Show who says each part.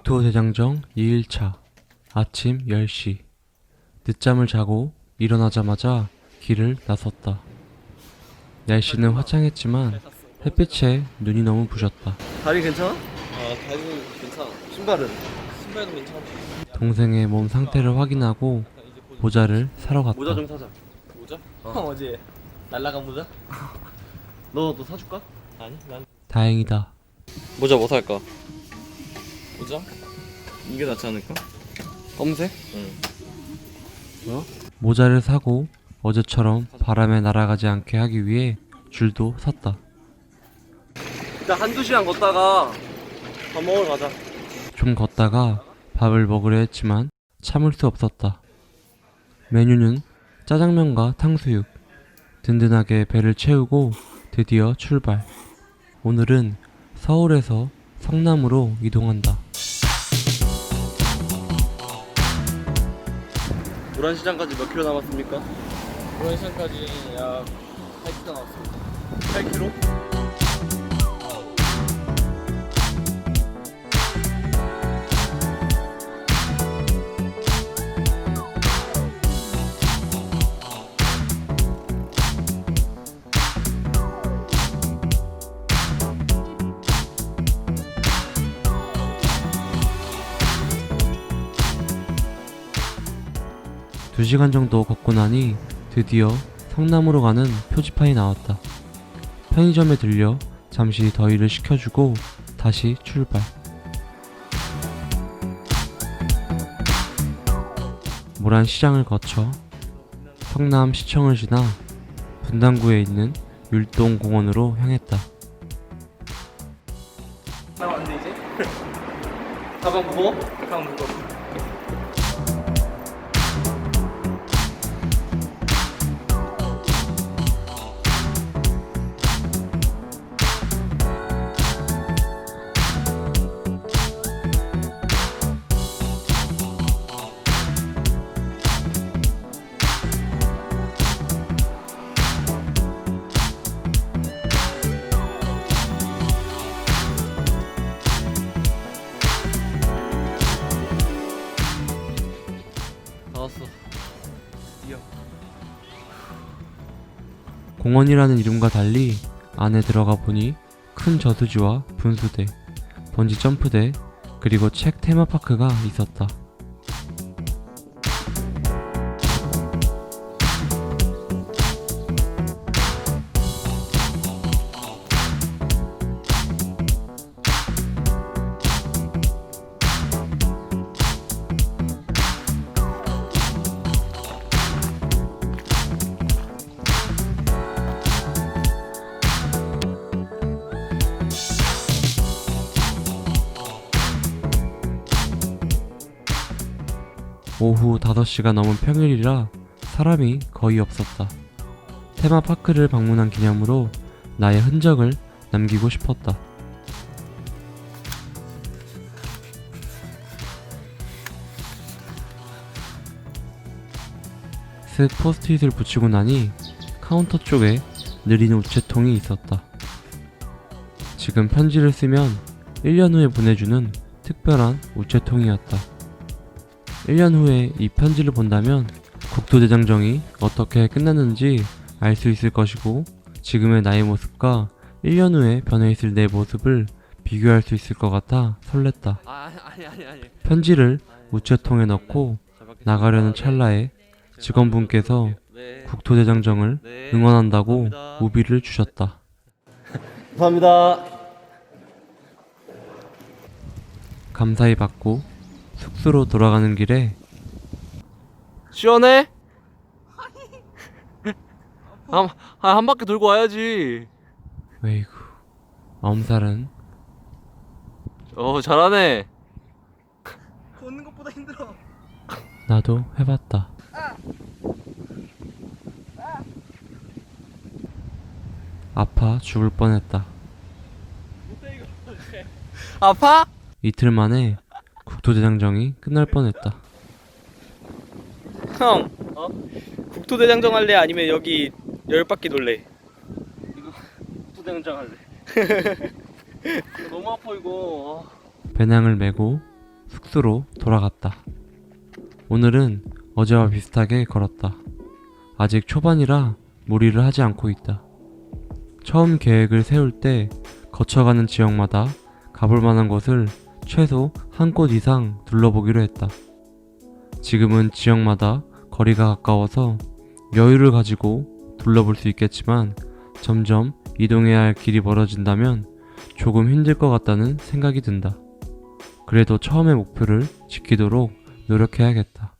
Speaker 1: 국토대장정 2일차 아침 10시. 늦잠을 자고 일어나자마자 길을 나섰다. 날씨는 화창했지만 햇빛에 눈이 너무 부셨다.
Speaker 2: 다리 괜찮아?
Speaker 3: 다리는 괜찮아.
Speaker 2: 신발은?
Speaker 3: 신발도 괜찮아.
Speaker 1: 동생의 몸 상태를 확인하고 모자를 사러 갔다.
Speaker 2: 모자 좀 사자.
Speaker 3: 모자? 어제 날라간 모자?
Speaker 2: 너도 사줄까?
Speaker 3: 아니, 난
Speaker 1: 다행이다.
Speaker 3: 모자 뭐 살까? 모자?
Speaker 2: 이게 낫지 않을까? 검색?
Speaker 3: 응.
Speaker 1: 모자를 사고 어제처럼 바람에 날아가지 않게 하기 위해 줄도 샀다.
Speaker 2: 일단 한두 시간 걷다가 밥 먹으러 가자.
Speaker 1: 좀 걷다가 밥을 먹으려 했지만 참을 수 없었다. 메뉴는 짜장면과 탕수육. 든든하게 배를 채우고 드디어 출발. 오늘은 서울에서 성남으로 이동한다.
Speaker 2: 노란시장까지 몇 킬로 남았습니까?
Speaker 3: 그런 시간까지 약 8km 남았습니다.
Speaker 2: 8킬로?
Speaker 1: 두 시간 정도 걷고 나니 드디어 성남으로 가는 표지판이 나왔다. 편의점에 들려 잠시 더위를 식혀주고 다시 출발. 모란시장을 거쳐 성남시청을 지나 분당구에 있는 율동공원으로 향했다.
Speaker 2: 다 왔네 이제? 가방 무거워? 가방 무거워. 다 왔어. 이어.
Speaker 1: 공원이라는 이름과 달리 안에 들어가 보니 큰 저수지와 분수대, 번지 점프대, 그리고 책 테마파크가 있었다. 오후 5시가 넘은 평일이라 사람이 거의 없었다. 테마파크를 방문한 기념으로 나의 흔적을 남기고 싶었다. 쓱 포스트잇을 붙이고 나니 카운터 쪽에 느린 우체통이 있었다. 지금 편지를 쓰면 1년 후에 보내주는 특별한 우체통이었다. 1년 후에 이 편지를 본다면 국토대장정이 어떻게 끝났는지 알 수 있을 것이고, 지금의 나의 모습과 1년 후에 변해있을 내 모습을 비교할 수 있을 것 같아 설렜다.
Speaker 2: 아니.
Speaker 1: 편지를 우체통에 넣고 나가려는 찰나에 직원분께서 국토대장정을 응원한다고 우비를 주셨다.
Speaker 2: 감사합니다.
Speaker 1: 감사히 받고 숙소로 돌아가는 길에
Speaker 2: 시원해? 한 바퀴 돌고 와야지.
Speaker 1: 웨이구 엄살은
Speaker 2: 잘하네.
Speaker 3: 걷는 것보다 힘들어.
Speaker 1: 나도 해봤다. 아파 죽을 뻔했다.
Speaker 2: 아파?
Speaker 1: 이틀 만에 국토대장정이 끝날 뻔했다.
Speaker 3: 형, 국토대장정 할래? 아니면 여기 10바퀴 돌래?
Speaker 2: 이거 부대장장 할래. 너무 아파 이거.
Speaker 1: 배낭을 메고 숙소로 돌아갔다. 오늘은 어제와 비슷하게 걸었다. 아직 초반이라 무리를 하지 않고 있다. 처음 계획을 세울 때 거쳐가는 지역마다 가볼 만한 곳을 최소 한 곳 이상 둘러보기로 했다. 지금은 지역마다 거리가 가까워서 여유를 가지고 둘러볼 수 있겠지만 점점 이동해야 할 길이 멀어진다면 조금 힘들 것 같다는 생각이 든다. 그래도 처음의 목표를 지키도록 노력해야겠다.